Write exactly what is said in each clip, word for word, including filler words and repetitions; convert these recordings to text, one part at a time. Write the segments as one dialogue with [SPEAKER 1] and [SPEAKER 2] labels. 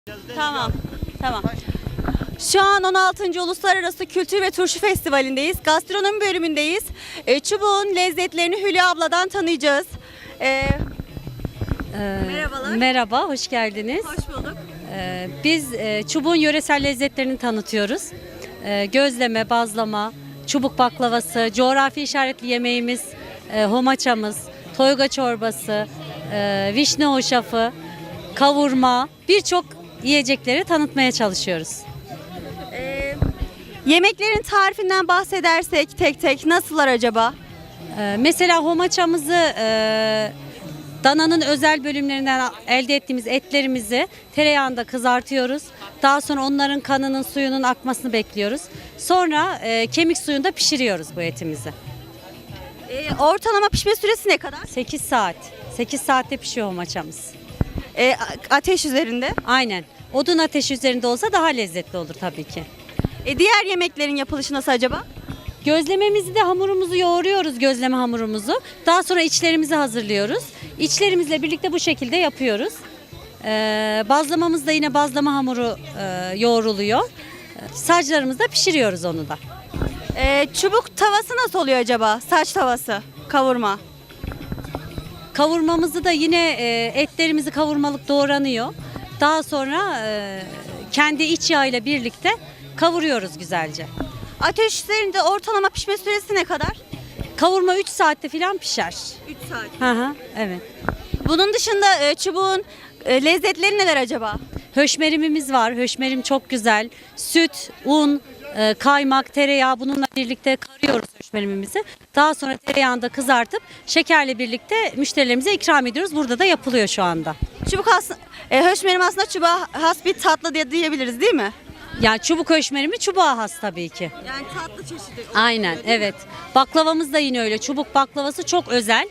[SPEAKER 1] Tamam, tamam. Şu an on altıncı. Uluslararası Kültür ve Turşu Festivali'ndeyiz. Gastronomi bölümündeyiz. E, çubuğun lezzetlerini Hülya abladan tanıyacağız. E,
[SPEAKER 2] Ee,
[SPEAKER 1] Merhabalar.
[SPEAKER 2] Merhaba, hoş geldiniz.
[SPEAKER 1] hoş bulduk.
[SPEAKER 2] Ee, biz e, çubuğun yöresel lezzetlerini tanıtıyoruz. Ee, gözleme, bazlama, çubuk baklavası, coğrafi işaretli yemeğimiz, e, homaçamız, toyga çorbası, e, vişne hoşafı, kavurma, birçok yiyecekleri tanıtmaya çalışıyoruz.
[SPEAKER 1] E, yemeklerin tarifinden bahsedersek tek tek nasıllar acaba?
[SPEAKER 2] Ee, mesela homaçamızı e, dananın özel bölümlerinden elde ettiğimiz etlerimizi tereyağında kızartıyoruz. Daha sonra onların kanının suyunun akmasını bekliyoruz. Sonra e, kemik suyunda pişiriyoruz bu etimizi.
[SPEAKER 1] E, ortalama pişme süresi ne kadar?
[SPEAKER 2] sekiz saat. sekiz saatte pişiyor homaçamız.
[SPEAKER 1] E, a- ateş üzerinde.
[SPEAKER 2] Aynen. Odun ateşi üzerinde olsa daha lezzetli olur tabii ki.
[SPEAKER 1] E, diğer yemeklerin yapılışı nasıl acaba?
[SPEAKER 2] Gözlememizi de hamurumuzu yoğuruyoruz, gözleme hamurumuzu. Daha sonra içlerimizi hazırlıyoruz. İçlerimizle birlikte bu şekilde yapıyoruz. Ee, bazlamamız da yine bazlama hamuru e, yoğruluyor. Ee, Saclarımızda pişiriyoruz onu da.
[SPEAKER 1] E, çubuk tavası nasıl oluyor acaba? Saç tavası, kavurma.
[SPEAKER 2] Kavurmamızı da yine e, etlerimizi kavurmalık doğranıyor. Daha sonra e, kendi iç yağıyla birlikte kavuruyoruz güzelce.
[SPEAKER 1] Ateş üzerinde ortalama pişme süresi ne kadar?
[SPEAKER 2] Kavurma üç saatte falan pişer.
[SPEAKER 1] üç saat.
[SPEAKER 2] Hı hı, evet.
[SPEAKER 1] Bunun dışında e, çubuğun e, lezzetleri neler acaba?
[SPEAKER 2] Höşmerimimiz var. Höşmerim çok güzel. Süt, un, e, kaymak, tereyağı bununla birlikte karıyoruz höşmerimimizi. Daha sonra tereyağında kızartıp şekerle birlikte müşterilerimize ikram ediyoruz. Burada da yapılıyor şu anda.
[SPEAKER 1] Çubuk aslında, e, höşmerim aslında çubuğa has bir tatlı diye diyebiliriz değil mi?
[SPEAKER 2] Yani çubuk höşmerimi çubuğa has tabii ki.
[SPEAKER 1] Yani tatlı çeşidi.
[SPEAKER 2] Aynen, evet. Baklavamız da yine öyle. Çubuk baklavası çok özel.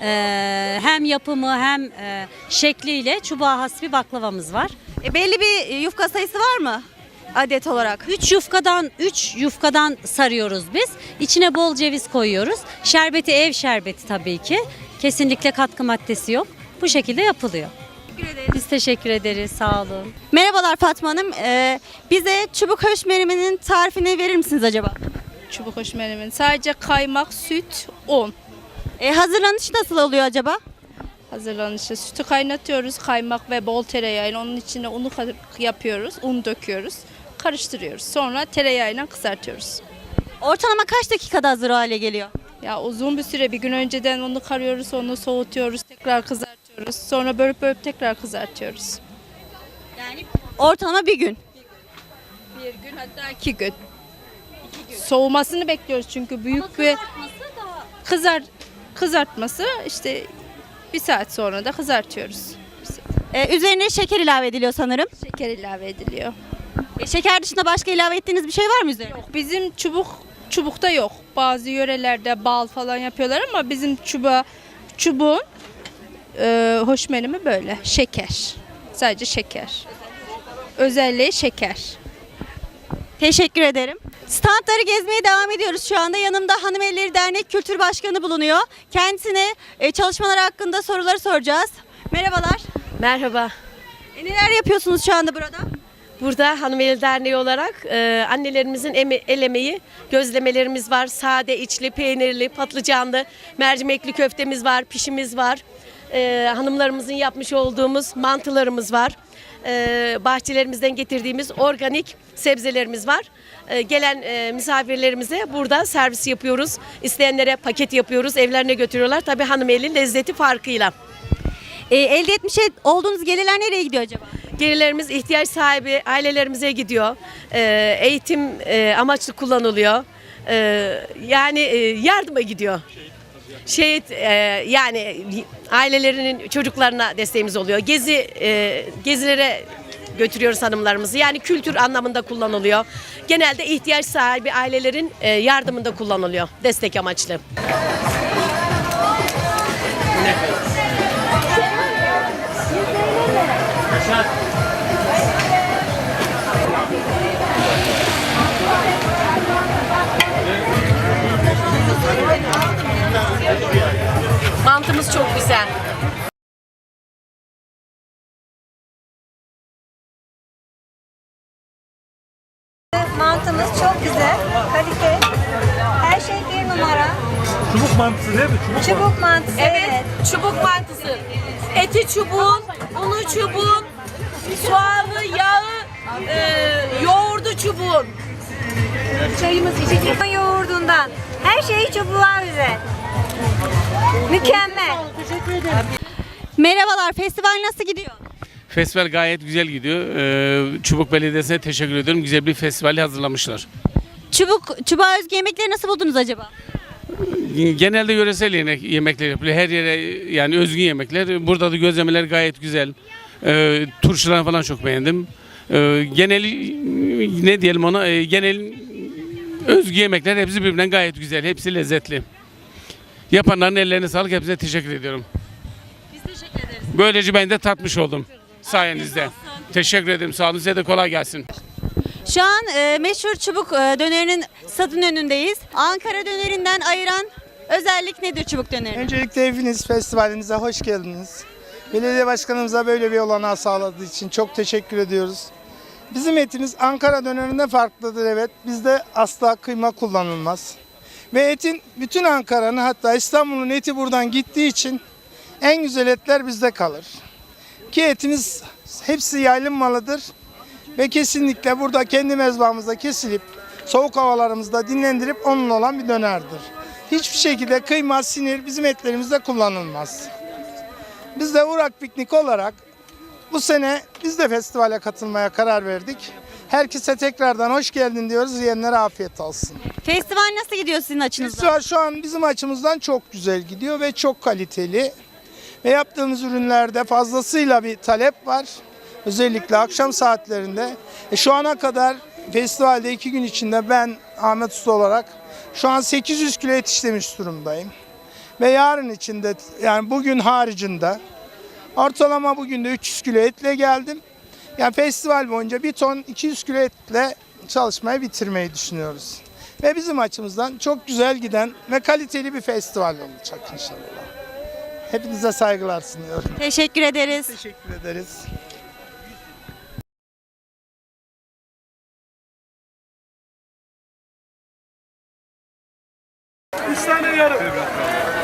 [SPEAKER 2] Ee, hem yapımı hem e, şekliyle çubuğa has bir baklavamız var.
[SPEAKER 1] E, belli bir yufka sayısı var mı adet olarak?
[SPEAKER 2] Üç yufkadan üç yufkadan sarıyoruz biz. İçine bol ceviz koyuyoruz. Şerbeti ev şerbeti tabii ki. Kesinlikle katkı maddesi yok. Bu şekilde yapılıyor.
[SPEAKER 1] Teşekkür ederiz.
[SPEAKER 2] Biz teşekkür ederiz. Sağ olun.
[SPEAKER 1] Merhabalar Fatma Hanım. E, bize çubuk höşmeriminin tarifini verir misiniz acaba?
[SPEAKER 3] Çubuk höşmerimin. Sadece kaymak, süt, un.
[SPEAKER 1] E, hazırlanışı nasıl oluyor acaba?
[SPEAKER 3] Hazırlanışı. Sütü kaynatıyoruz. Kaymak ve bol tereyağıyla onun içine unu ka- yapıyoruz. Un döküyoruz. Karıştırıyoruz. Sonra tereyağıyla kızartıyoruz.
[SPEAKER 1] Ortalama kaç dakikada hazır hale geliyor?
[SPEAKER 3] Ya uzun bir süre, bir gün önceden onu karıyoruz, onu soğutuyoruz, tekrar kızartıyoruz. Sonra bölüp bölüp tekrar kızartıyoruz.
[SPEAKER 1] Yani ortalama bir gün.
[SPEAKER 3] Bir gün, hatta iki gün. Soğumasını bekliyoruz çünkü büyük bir kızar kızartması işte bir saat sonra da kızartıyoruz.
[SPEAKER 1] E, üzerine şeker ilave ediliyor sanırım.
[SPEAKER 3] Şeker ilave ediliyor.
[SPEAKER 1] E, şeker dışında başka ilave ettiğiniz bir şey var mı üzerine?
[SPEAKER 3] Bizim çubuk çubukta yok. Bazı yörelerde bal falan yapıyorlar ama bizim çubuğa çubuğun e, hoşmerimi böyle şeker. Sadece şeker. Özelliği şeker.
[SPEAKER 1] Teşekkür ederim. Standları gezmeye devam ediyoruz şu anda. Yanımda Hanımelleri Dernek Kültür Başkanı bulunuyor. Kendisine e, çalışmaları hakkında soruları soracağız. Merhabalar.
[SPEAKER 4] Merhaba.
[SPEAKER 1] E, neler yapıyorsunuz şu anda burada?
[SPEAKER 4] Burada Hanımeli Derneği olarak e, annelerimizin eme- el emeği, gözlemelerimiz var. Sade, içli, peynirli, patlıcanlı, mercimekli köftemiz var, pişimiz var. E, hanımlarımızın yapmış olduğumuz mantılarımız var. E, bahçelerimizden getirdiğimiz organik sebzelerimiz var. E, gelen e, misafirlerimize burada servis yapıyoruz. İsteyenlere paket yapıyoruz, evlerine götürüyorlar. Tabii hanımeli lezzeti farkıyla.
[SPEAKER 1] E, elde etmiş olduğunuz gelirler nereye gidiyor acaba?
[SPEAKER 4] Gelirlerimiz ihtiyaç sahibi ailelerimize gidiyor. Ee, eğitim e, amaçlı kullanılıyor. Ee, yani e, yardıma gidiyor. Şehit e, yani ailelerinin çocuklarına desteğimiz oluyor. Gezi e, gezilere götürüyoruz hanımlarımızı. Yani kültür anlamında kullanılıyor. Genelde ihtiyaç sahibi ailelerin e, yardımında kullanılıyor. Destek amaçlı. Mantımız çok güzel.
[SPEAKER 5] Mantımız çok güzel. Kalite. Her şey bir numara.
[SPEAKER 6] Çubuk mantısı değil mi? Çubuk,
[SPEAKER 5] Çubuk mantısı. Evet.
[SPEAKER 4] Çubuk mantısı. Eti çubuğun, unu çubuğun, soğanı, yağı, e, yoğurdu çubuğun.
[SPEAKER 5] Çayımız içecek. Yoğurdundan. Her şeyi çubuğa güzel. Mükemmel.
[SPEAKER 1] Merhabalar, festival nasıl gidiyor?
[SPEAKER 7] Festival gayet güzel gidiyor. Ee, Çubuk Belediyesi'ne teşekkür ediyorum. Güzel bir festivali hazırlamışlar.
[SPEAKER 1] Çubuk, çubuğa özgü yemekleri nasıl buldunuz acaba?
[SPEAKER 7] Genelde yöresel yemek, yemekler yapılıyor. Her yere yani özgün yemekler. Burada da gözlemeler gayet güzel. Ee, turşularını falan çok beğendim. Ee, genel ne diyelim ona? Ee, genel özgü yemekler hepsi birbirinden gayet güzel. Hepsi lezzetli. Yapanların ellerine sağlık. Hepsine teşekkür ediyorum.
[SPEAKER 1] Biz teşekkür ederiz.
[SPEAKER 7] Böylece ben de tatmış oldum sayenizde. Teşekkür ederim. Sağ olun. Size de kolay gelsin.
[SPEAKER 1] Şu an e, meşhur çubuk e, dönerinin stadın önündeyiz. Ankara dönerinden ayıran özellik nedir çubuk döneri?
[SPEAKER 8] Öncelikle hepiniz festivalimize hoş geldiniz. Belediye başkanımıza böyle bir olanağı sağladığı için çok teşekkür ediyoruz. Bizim etimiz Ankara dönerinde farklıdır, evet. Bizde asla kıyma kullanılmaz. Ve etin bütün Ankara'nın, hatta İstanbul'un eti buradan gittiği için en güzel etler bizde kalır. Ki etimiz hepsi yaylım malıdır. Ve kesinlikle burada kendi mezbahımızda kesilip soğuk havalarımızda dinlendirip onunla olan bir dönerdir. Hiçbir şekilde kıyma, sinir bizim etlerimizde kullanılmaz. Biz de Urak Piknik olarak bu sene biz de festivale katılmaya karar verdik. Herkese tekrardan hoş geldin diyoruz. Yiyenlere afiyet olsun.
[SPEAKER 1] Festival nasıl gidiyor sizin açınızdan?
[SPEAKER 8] Festival şu an bizim açımızdan çok güzel gidiyor ve çok kaliteli. Ve yaptığımız ürünlerde fazlasıyla bir talep var. Özellikle akşam saatlerinde. E şu ana kadar festivalde iki gün içinde ben Ahmet Usta olarak şu an sekiz yüz kilo et işlemiş durumdayım. Ve yarın içinde, yani bugün haricinde ortalama bugün de üç yüz kilo etle geldim. Yani festival boyunca bir ton iki yüz kilo etle çalışmayı bitirmeyi düşünüyoruz. Ve bizim açımızdan çok güzel giden ve kaliteli bir festival olacak inşallah. Hepinize saygılar sunuyorum.
[SPEAKER 1] Teşekkür ederiz.
[SPEAKER 8] Teşekkür ederiz.
[SPEAKER 6] Üç tane yarım.